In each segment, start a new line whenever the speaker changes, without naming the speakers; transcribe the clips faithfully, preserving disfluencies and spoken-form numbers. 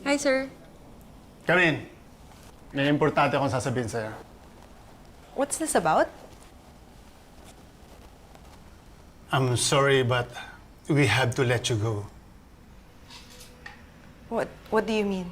Hi, sir.
Come in. May importante akong sasabihin sa'yo.
What's this about?
I'm sorry, but we have to let you go.
What What do you mean?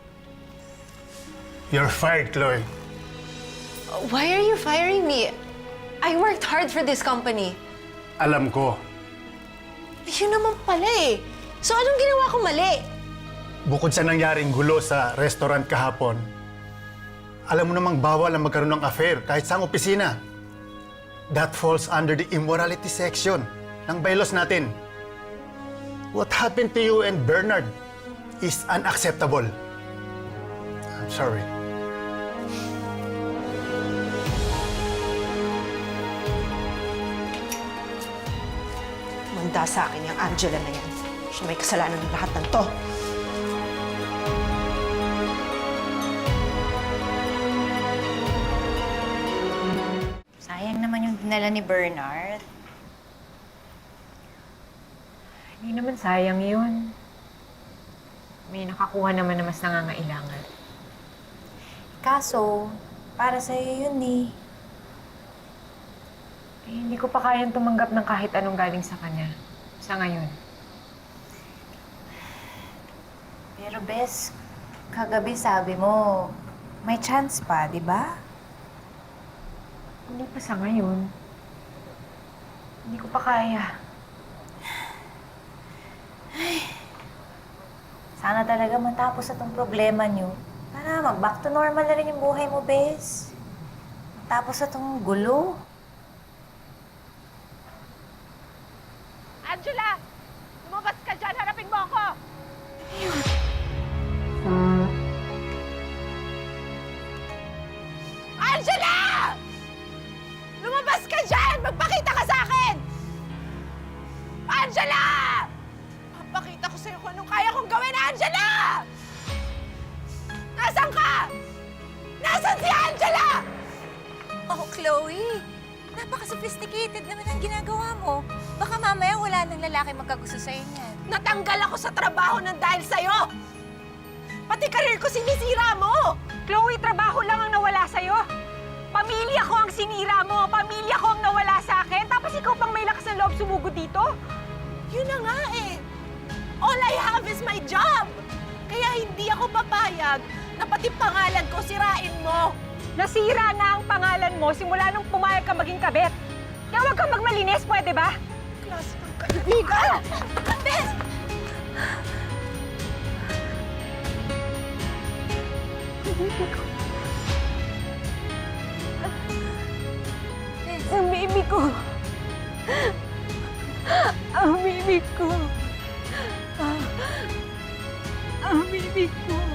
You're fired, Chloe.
Why are you firing me? I worked hard for this company.
Alam ko,
Yun naman pala eh. So anong ginawa ko mali?
bukod sa nangyaring gulo sa restaurant kahapon, alam mo namang bawal ang magkaroon ng affair kahit sa opisina. That falls under the immorality section ng bylaws natin. What happened to you and Bernard is unacceptable. I'm sorry.
Manda sa akin yung Angela na yan. Siya may kasalanan ng lahat ng to.
Sayang naman yung dinala ni Bernard.
Hindi naman sayang yun. May nakakuha naman na mas nangangailangan.
Kaso, para sa'yo yun eh.
Eh, hindi ko pa kayang tumanggap ng kahit anong galing sa kanya. Sa ngayon.
Pero Bes, kagabi sabi mo, may chance pa, di ba?
Hindi pa sa ngayon. Hindi ko pa kaya.
Sana talaga matapos na tong problema niyo. Para mag-back to normal na rin yung buhay mo, Bes. Matapos na tong gulo.
Angela! Lumabas ka dyan! Harapin mo ako! Angela! Lumabas ka dyan! Magpakita ka sa akin! Angela! Papakita ko sa'yo kung anong kaya kong gawin, Angela! Nasaan ka? Nasaan si Angela?
Oh, Chloe. Napaka-sophisticated naman ang ginagawa mo. Baka mamaya wala nang lalaki magkagusto sa'yo niyan.
Natanggal ako sa trabaho ng dahil sa'yo! Pati karir ko sinisira mo!
Chloe, trabaho lang ang nawala sa'yo. Pamilya ko ang sinira mo. Pamilya ko ang nawala sa akin. Tapos ikaw pang may lakas ng loob sumugod dito?
Yun na nga eh. All I have is my job. Kaya hindi ako papayag na pati pangalan ko sirain mo.
Nasira na ang pangalan mo simula nung pumayag ka maging kabit. Kaya huwag kang magmalinis, pwede ba?
Klase ng kaibigan! Bes!
Ang baby ko. Ang baby ko. Ang baby ko.